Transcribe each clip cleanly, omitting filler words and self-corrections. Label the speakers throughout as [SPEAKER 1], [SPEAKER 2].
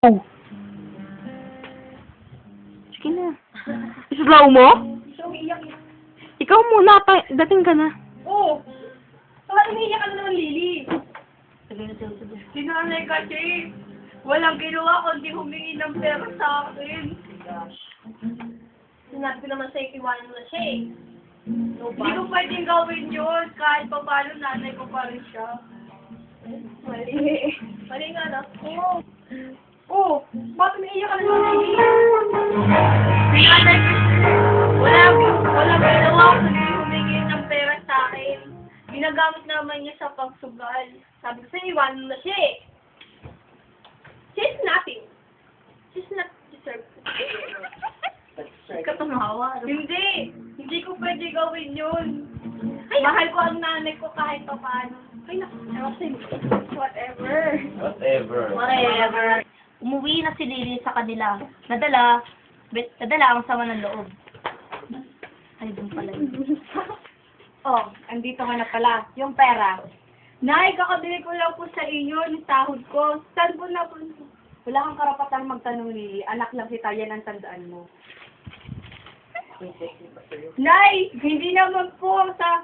[SPEAKER 1] Oh. Sige na. Islaw mo?
[SPEAKER 2] So, umiiyak yan.
[SPEAKER 1] Ikaw muna, dating ka na.
[SPEAKER 2] Oo. Bakit umiiyak ka na naman, Lily? Sinanay kasi. Walang ginawa kundi humingi ng pera sa akin. Sinabi ko naman sa'yo, iwanan mo na siya eh. Hindi ko pwedeng gawin yun. Kahit pa paano, nanay ko pa rin siya. Mali. Mali nga na. Oo. Oo. Bakit umiiyak ka na naman, Lily? Sinanay ko. Walang ginawa kundi humingi ng pera sa akin. Ginagamit naman niya sa pagsugal. Sabi ko sa'yo, iwanan mo na siya eh. She's nothing. She's not deserved.
[SPEAKER 1] Katumawa.
[SPEAKER 2] Hindi. Hindi ko pwede gawin yun. Ay, mahal ko ang nanay ko kahit pa paano. Ay, naku. Whatever.
[SPEAKER 3] Whatever. Umuwi na si Lily sa kanila. Nadala ang sama ng loob. Ay, doon pala yun.
[SPEAKER 2] Oh, andito ka na pala. Yung pera. Nay, kakabili ko lang po sa inyo yung sahod ko. Saan po na po? Wala kang karapatang magtanong, Lily. Anak lang kita, yan ang tandaan mo. Nay, hindi naman po sa...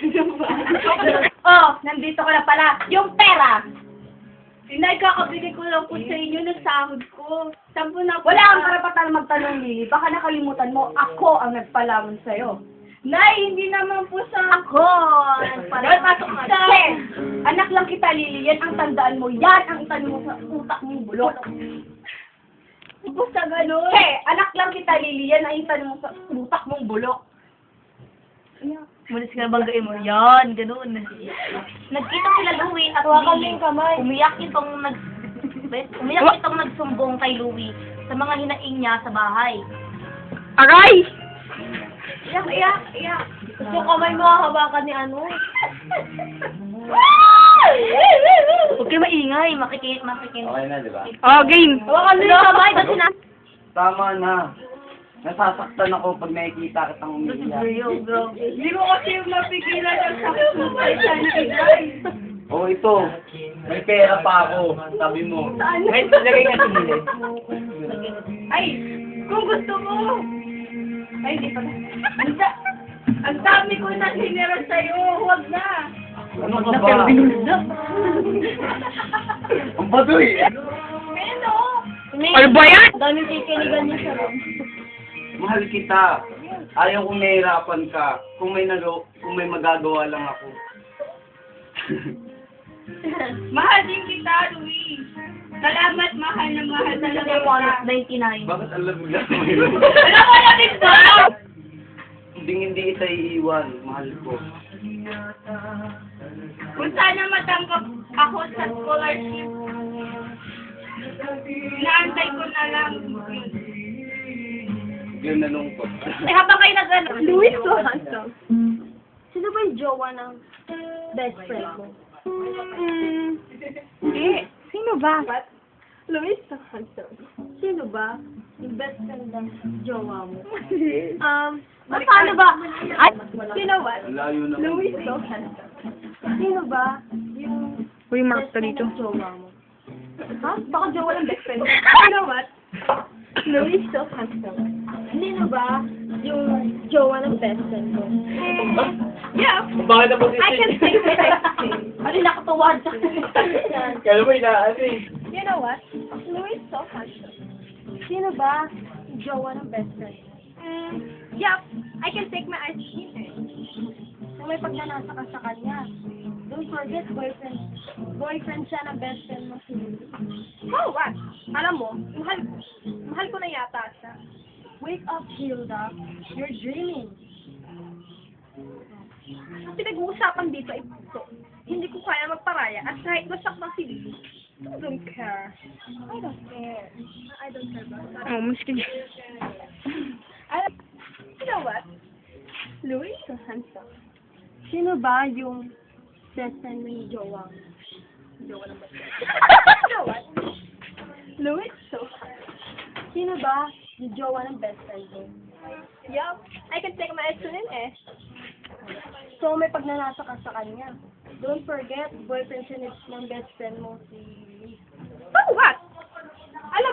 [SPEAKER 2] Oh, nandito ka na pala. Yung pera! Nay, kakabili ko lang po sa inyo ng sahod ko. Saan po na po? Wala kang karapatang magtanong, Lily. Baka nakalimutan mo, ako ang nagpalamon sa'yo. Nay, hindi naman po sa...
[SPEAKER 3] Ako!
[SPEAKER 2] Pasok ka. Anak lang kita, Lily. Yan ang tandaan mo. Yan ang itanong mo sa utak mong bulok. Ipo sa ganun. Anak lang kita, Lily. Yan ang itanong mo sa utak mong bulok.
[SPEAKER 3] Mulis ka na banggain mo. Yan, ganun. Nagkita sila Louie at Lily. Umiyak itong nagsumbong kay Louie sa mga hinaing niya sa bahay.
[SPEAKER 1] Aray!
[SPEAKER 2] Iyak. Gusto kamay mo hawakan ni ano.
[SPEAKER 3] Huwag kayo maingay. Makikin.
[SPEAKER 4] Okay na, di ba?
[SPEAKER 1] Oh, game.
[SPEAKER 2] Hawakan mo yung kamay kasi na...
[SPEAKER 4] Tama na. Nasasaktan ako pag nakikita kitang umiiyak.
[SPEAKER 2] Hindi ko kasi mapigilan ang sakit mo pa sana igay.
[SPEAKER 4] Oh, ito. May pera pa ako. Sabi mo.
[SPEAKER 2] Saan?
[SPEAKER 4] May lagay nga tumili.
[SPEAKER 2] Ay, kung gusto mo. Ay, hindi pa. Ang dami ko na sinira sa'yo. Huwag na.
[SPEAKER 4] Ano ka ba? Ang baduy.
[SPEAKER 2] Ano?
[SPEAKER 1] Ano ba yan?
[SPEAKER 2] Daming kikiligan niya sa room.
[SPEAKER 4] Mahal kita. Ayaw kong nahihirapan ka. Kung may magagawa lang ako.
[SPEAKER 2] Mahal din kita, Louie. Salamat, mahal na mahal talaga kita.
[SPEAKER 3] 99.
[SPEAKER 4] Bakit alam mo lang yun?
[SPEAKER 2] Alam mo na din ba?
[SPEAKER 4] Hindi kita iiwan. Mahal ko.
[SPEAKER 2] Kung sana matanggap ako sa scholarship, naantay ko na lang.
[SPEAKER 4] Yun nalungkot.
[SPEAKER 3] Eh, habang kayo nag-ano?
[SPEAKER 2] Louie, so handsome.
[SPEAKER 3] Sino ba yung jowa ng best friend mo?
[SPEAKER 1] Hindi. Sino ba?
[SPEAKER 2] Louie, so handsome.
[SPEAKER 3] Sino ba? Yung best friend ng jowa mo?
[SPEAKER 2] Paano ba?
[SPEAKER 3] Ay,
[SPEAKER 2] You know what?
[SPEAKER 4] Ang layo na.
[SPEAKER 2] Louie, so handsome.
[SPEAKER 3] sino ba yung
[SPEAKER 1] Uy,
[SPEAKER 3] best
[SPEAKER 1] mark ka
[SPEAKER 3] friend
[SPEAKER 1] dito.
[SPEAKER 3] ng jowa mo?
[SPEAKER 2] Ha? Baka jowa ng best friend. You know what? Louie, so handsome.
[SPEAKER 3] Sino ba yung jowa ng best friend mo?
[SPEAKER 2] Yeah.
[SPEAKER 4] Bakit na
[SPEAKER 2] I can take my
[SPEAKER 3] Ano nakatuwa sa
[SPEAKER 4] Kala mo inaano eh.
[SPEAKER 2] You know what? Louie, so handsome.
[SPEAKER 3] Sino ba yung jowa ng best friend mo?
[SPEAKER 2] Yeah. I can take my ice cream.
[SPEAKER 3] Kung may pagnanasa ka sa kanya, don't forget boyfriend siya ng best friend mo si Lily.
[SPEAKER 2] Oh, what? Alam mo, mahal ko na yata siya.
[SPEAKER 3] Wake up, Hilda. You're dreaming.
[SPEAKER 2] Ang pinag-uusapan dito ay ito. Hindi ko kaya magparaya at kahit masaktan si Lily. I don't care. I don't care. I don't care about that.
[SPEAKER 1] Oh, mas kaya.
[SPEAKER 2] You know what? Louie is so handsome.
[SPEAKER 3] Sino ba yung best friend mo ni jowa mo?
[SPEAKER 2] Jowa ng best friend. You know what? Louie is so handsome.
[SPEAKER 3] Sino ba yung jowa ng best friend mo?
[SPEAKER 2] Yeah. I can take my ice cream eh.
[SPEAKER 3] So, may pagnanasa ka sa kanya. Don't forget, boyfriend siya ng best friend mo si...
[SPEAKER 2] So what? Alam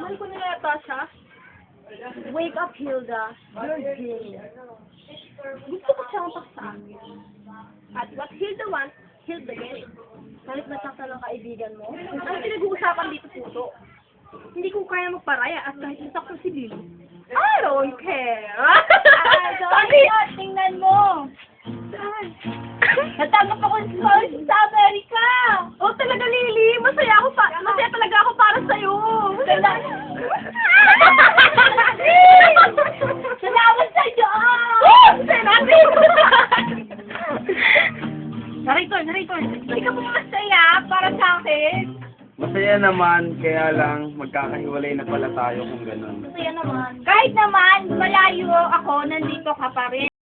[SPEAKER 2] Mahal ko na yata siya. Wake up, Hilda. You're gay. Gusto ko siyang paksa. At what Hilda wants, Hilda gets. Kahit nasakta ng kaibigan mo, ang pinag-uusapan dito puso. Hindi ko kaya magparaya at kahit nasakta si Lily. I don't care.
[SPEAKER 3] Sabi, tingnan mo. Natanggap ako sa scholarship sa Amerika.
[SPEAKER 2] Oh, talaga, Lily. Masaya talaga ako para sa'yo.
[SPEAKER 3] Salamat sa Diyos!
[SPEAKER 2] Narrator. Hindi ka po masaya para sa akin.
[SPEAKER 4] Masaya naman, kaya lang magkakahiwalay na pala tayo kung ganun.
[SPEAKER 3] Masaya naman. Kahit naman, malayo ako, nandito ka pa rin.